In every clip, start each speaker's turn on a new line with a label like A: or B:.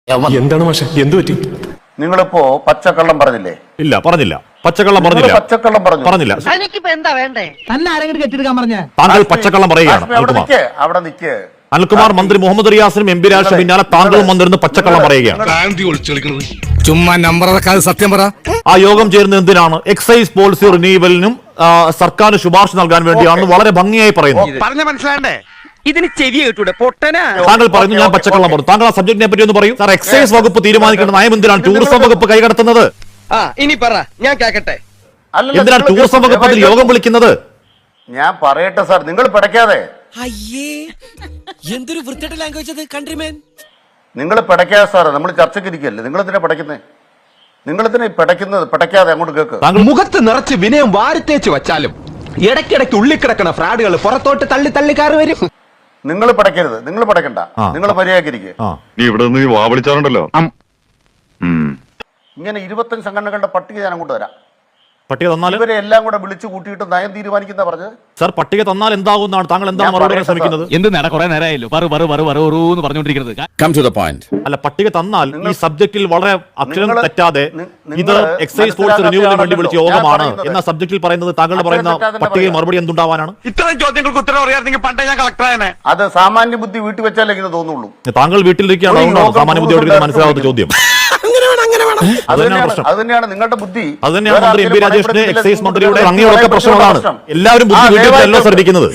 A: എന്താണ് മാഷെ എന്ത് പറ്റി?
B: നിങ്ങളിപ്പോ പച്ചക്കള്ളം പറഞ്ഞില്ലേ?
C: ഇല്ല, പറഞ്ഞില്ല. പച്ചക്കള്ളം പറഞ്ഞില്ല.
B: പച്ചക്കള്ളം പറഞ്ഞില്ല.
D: എന്താ വേണ്ടേ? തന്നെ ആരെങ്കിലും കെട്ടിയെടുക്കാൻ പറഞ്ഞ
C: താങ്കൾ പച്ചക്കള്ളം പറയുകയാണ്.
B: അവിടെ നിൽക്കേ
C: അനിൽകുമാർ, മന്ത്രി മുഹമ്മദ് റിയാസിനും എം പി രാജേഷിനും പിന്നാലെ താങ്കളും വന്നിരുന്ന് പച്ചക്കള്ളം പറയുകയാണ്.
E: ചുമ്മാ നമ്പർ സത്യം പറ.
C: ആ യോഗം ചേരുന്നത് എന്തിനാണ്? എക്സൈസ് പോളിസി റിന്യൂവലിനും സർക്കാരിന് ശുപാർശ നൽകാൻ വേണ്ടിയാണെന്ന് വളരെ ഭംഗിയായി പറയുന്നു.
F: പറഞ്ഞ മനസ്സിലാണ്ടേ? ഇതിന് ചെവി കേട്ടൂടെ പൊട്ടനാ?
C: താങ്കൾ പറയുന്നു ഞാൻ പച്ചക്കള്ളം പറഞ്ഞു. താങ്കൾ ആ സബ്ജക്റ്റിനെ പറ്റി ഒന്ന് പറയൂ. സാർ, എക്സൈസ് വകുപ്പ് തീരുമാനിക്കേണ്ട നയം എന്തിനാണ് ടൂറിസം വകുപ്പ് കൈകടത്തുന്നത്?
F: ഇനി പറ, ഞാൻ കേക്കട്ടെ.
C: എന്തിനാണ് ടൂറിസം വകുപ്പ് അതിൽ യോഗം വിളിക്കുന്നത്?
B: ഞാൻ പറയട്ടെ സാർ, നിങ്ങൾ പിടയ്ക്കാതെ.
G: അയ്യേ, എന്തൊരു വൃത്തിയുടെ ലാംഗ്വേജ് അത് കൺട്രിമേൻ.
B: നിങ്ങൾ പിടയ്ക്കാതെ സാറേ, നമ്മൾ ചർച്ചയ്ക്ക് ഇരിക്കല്ലേ. നിങ്ങൾ എന്തിനാ പിടയ്ക്കുന്നേ? നിങ്ങൾ എന്തിനാ പിടയ്ക്കുന്നത്? പിടയ്ക്കാതെ അങ്ങോട്ട് കേക്ക്.
H: മുഖത്ത് നിറച്ച് വിനയം വാരിത്തേച്ച് വെച്ചാലും ഇടയ്ക്കിടയ്ക്ക് ഉള്ളിക്കിടക്കണ ഫ്രാഡുകൾ പുറത്തോട്ട് തള്ളി തള്ളിക്കാറ് വരും.
B: നിങ്ങൾ പിടയ്ക്കരുത്, നിങ്ങൾ പിടയ്ക്കണ്ട, നിങ്ങൾ മര്യാദക്കിരിക്കുക.
I: നീ ഇവിടെ നിന്ന് വാ വിളിച്ചാറുണ്ടല്ലോ.
B: ഇങ്ങനെ 25 സംഘടനകളുടെ പട്ടിക ഞാൻ അങ്ങോട്ട് തരാം.
C: പട്ടിക തന്നാൽ
B: ഇവരെ എല്ലാം കൂടെ വിളിച്ചു കൂട്ടിയിട്ട് നയം തീരുമാനിക്കുന്ന പറഞ്ഞത്.
C: സാർ, പട്ടിക തന്നാൽ എന്താകുന്നതാണ് താങ്കൾ എന്താണ് മറുപടി പറയാൻ ശ്രമിക്കുന്നത്?
E: എന്ത് നേടാ കുറെ നേരമായല്ലോ പറഞ്ഞുകൊണ്ടിരിക്കുന്നത്.
C: അല്ല, പട്ടിക തന്നാൽ ഈ സബ്ജക്റ്റിൽ വളരെ അക്ഷരം തെറ്റാതെ ഇത് എക്സൈസ് ഫോഴ്സ് റിന്യൂവലിന് വേണ്ടി വിളിച്ച യോഗമാണ് എന്ന സബ്ജക്റ്റിൽ പറയുന്നത് താങ്കൾ പറയുന്ന പട്ടികയിൽ മറുപടി എന്തുണ്ടാവാനാണ്?
F: ഇത്രയും ചോദ്യങ്ങൾക്ക് ഉത്തരം അറിയാമെങ്കിൽ പണ്ടേ ഞാൻ കളക്ടറായനെ.
B: അത് സാമാന്യ ബുദ്ധി വീട്ടിൽ വെച്ചാലേ ഇങ്ങനെ തോന്നുള്ളൂ.
C: താങ്കൾ വീട്ടിലിരിക്കുകയാണ്, അതുകൊണ്ടാണ് സാമാന്യ ബുദ്ധിയോട് മനസ്സിലാവാത്ത ചോദ്യം.
B: അത് തന്നെയാണ് നിങ്ങളുടെ ബുദ്ധി.
C: അത് തന്നെയാണ് മന്ത്രി എം പി രാജേഷിന്റെ എക്സൈസ് മന്ത്രിയുടെ അങ്ങനെയൊക്കെ പ്രശ്നങ്ങളാണ്. എല്ലാവരും ബുദ്ധി വീട്ടിലല്ലോ ശ്രദ്ധിക്കുന്നത്.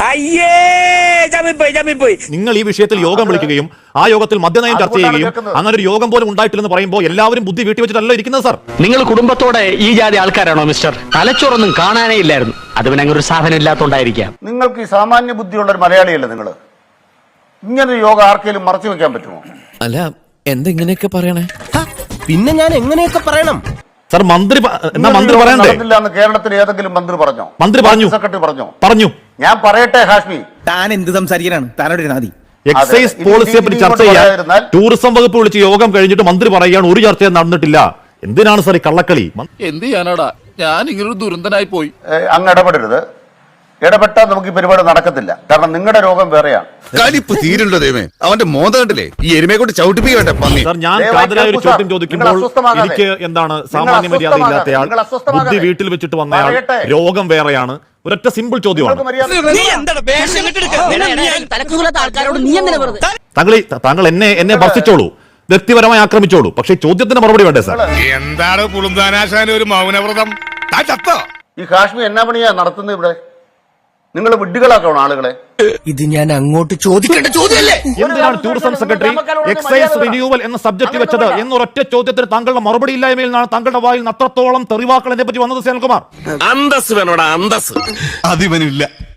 C: നിങ്ങൾ ഈ വിഷയത്തിൽ യോഗം വിളിക്കുകയും ആ യോഗത്തിൽ മദ്യനയം ചർച്ച ചെയ്യുകയും അങ്ങനെ ഒരു യോഗം പോലും ഉണ്ടായിട്ടില്ലെന്ന് പറയുമ്പോൾ എല്ലാവരും ബുദ്ധി വീട്ടിൽ വെച്ചിട്ടല്ലോ ഇരിക്കുന്നത്. സാർ,
H: നിങ്ങൾ കുടുംബത്തോടെ ഈ ജാതി ആൾക്കാരാണോ മിസ്റ്റർ? തലച്ചോറൊന്നും കാണാനേ ഇല്ലായിരുന്നു. അത് പിന്നെ അങ്ങനെ ഒരു സാധനം ഇല്ലാത്തോണ്ടായിരിക്കാം.
B: നിങ്ങൾക്ക് ഈ സാമാന്യ ബുദ്ധിയുള്ള ഒരു മലയാളിയല്ലേ നിങ്ങൾ? ഇങ്ങനൊരു യോഗം ആർക്കെങ്കിലും മറച്ചു വെക്കാൻ പറ്റുമോ?
G: അല്ല, എന്തെങ്ങനെയൊക്കെ പറയണേ?
D: പിന്നെ ഞാൻ എങ്ങനെയൊക്കെ പറയണം?
C: സാർ, മന്ത്രി പറയണ്ടേ?
B: കേരളത്തിൽ ഏതെങ്കിലും മന്ത്രി പറഞ്ഞോ?
C: മന്ത്രി പറഞ്ഞു,
B: സെക്രട്ടറി
C: പറഞ്ഞു.
B: ഞാൻ പറയട്ടെ ഹാഷ്മി,
D: താൻ എന്ത് സംസാരിക്കാനാണ്? താനോട് നാദി
C: എക്സൈസ് പോളിസിയെ പറ്റി ചർച്ച ചെയ്യാൻ ടൂറിസം വകുപ്പ് വിളിച്ച് യോഗം കഴിഞ്ഞിട്ട് മന്ത്രി പറയുകയാണ് ഒരു ചർച്ചയും നടന്നിട്ടില്ല. എന്തിനാണ് സാർ ഈ കള്ളക്കളി?
J: എന്ത് ചെയ്യാനാടാ, ഞാൻ ഇങ്ങനൊരു ദുരന്തനായി പോയി.
B: അങ്ങ് ഇടപെടരുത്. ഇടപെട്ടാൽ നമുക്ക് ഈ പരിപാടി നടക്കത്തില്ല. കാരണം നിങ്ങളുടെ രോഗം വേറെയാണ്.
I: കലിപ്പ് തീരുണ്ടോ ദൈവമേ? അവന്റെ മോന്ത കണ്ടില്ലേ? ഈ എരുമയെ കൊണ്ട് ചവിട്ടിപ്പിക്കട്ടെ പന്നി.
C: സാർ, ഞാൻ കാതലായ ഒരു ചോദ്യം ചോദിക്കുമ്പോൾ എനിക്ക് എന്താണ് സാമാന്യ മര്യാദ ഇല്ലാത്തയാൾ, ബുദ്ധി വീട്ടിൽ വെച്ചിട്ട് വന്നയാൾ, രോഗം വേറെയാണ്. ഒരൊറ്റ സിമ്പിൾ ചോദ്യമാണ്. താങ്കൾ എന്നെ ഭർത്തിച്ചോളൂ, വ്യക്തിപരമായി ആക്രമിച്ചോളൂ, പക്ഷേ ചോദ്യത്തിന് മറുപടി വേണ്ടേ സാർ?
E: എന്താണ് കുളുന്താനാശാന ഒരു മൗനവ്രതം?
B: ഈ കാശ്മീർ എന്നാ പണിയാ നടത്തുന്നത് ഇവിടെ? നിങ്ങൾ വിഡ്ഢികളാക്കണം ആളുകളെ.
G: ഇത് ഞാൻ അങ്ങോട്ട് ചോദിക്കേണ്ട ചോദ്യമല്ലേ?
C: എന്തിനാണ് ടൂറിസം സെക്രട്ടറി എക്സൈസ് റിന്യൂവൽ എന്ന സബ്ജക്ട് വെച്ചത് എന്നൊരൊറ്റ ചോദ്യത്തിന് താങ്കളുടെ മറുപടി ഇല്ലായ്മയിൽ നിന്നാണ് താങ്കളുടെ വായിൽ അത്രത്തോളം തെറിവാക്കൾ എന്നെ പറ്റി വന്നത്. സേനൽകുമാർ,
J: അന്തസ് വേണോടാ, അന്തസ്.
I: അതിവനില്ല.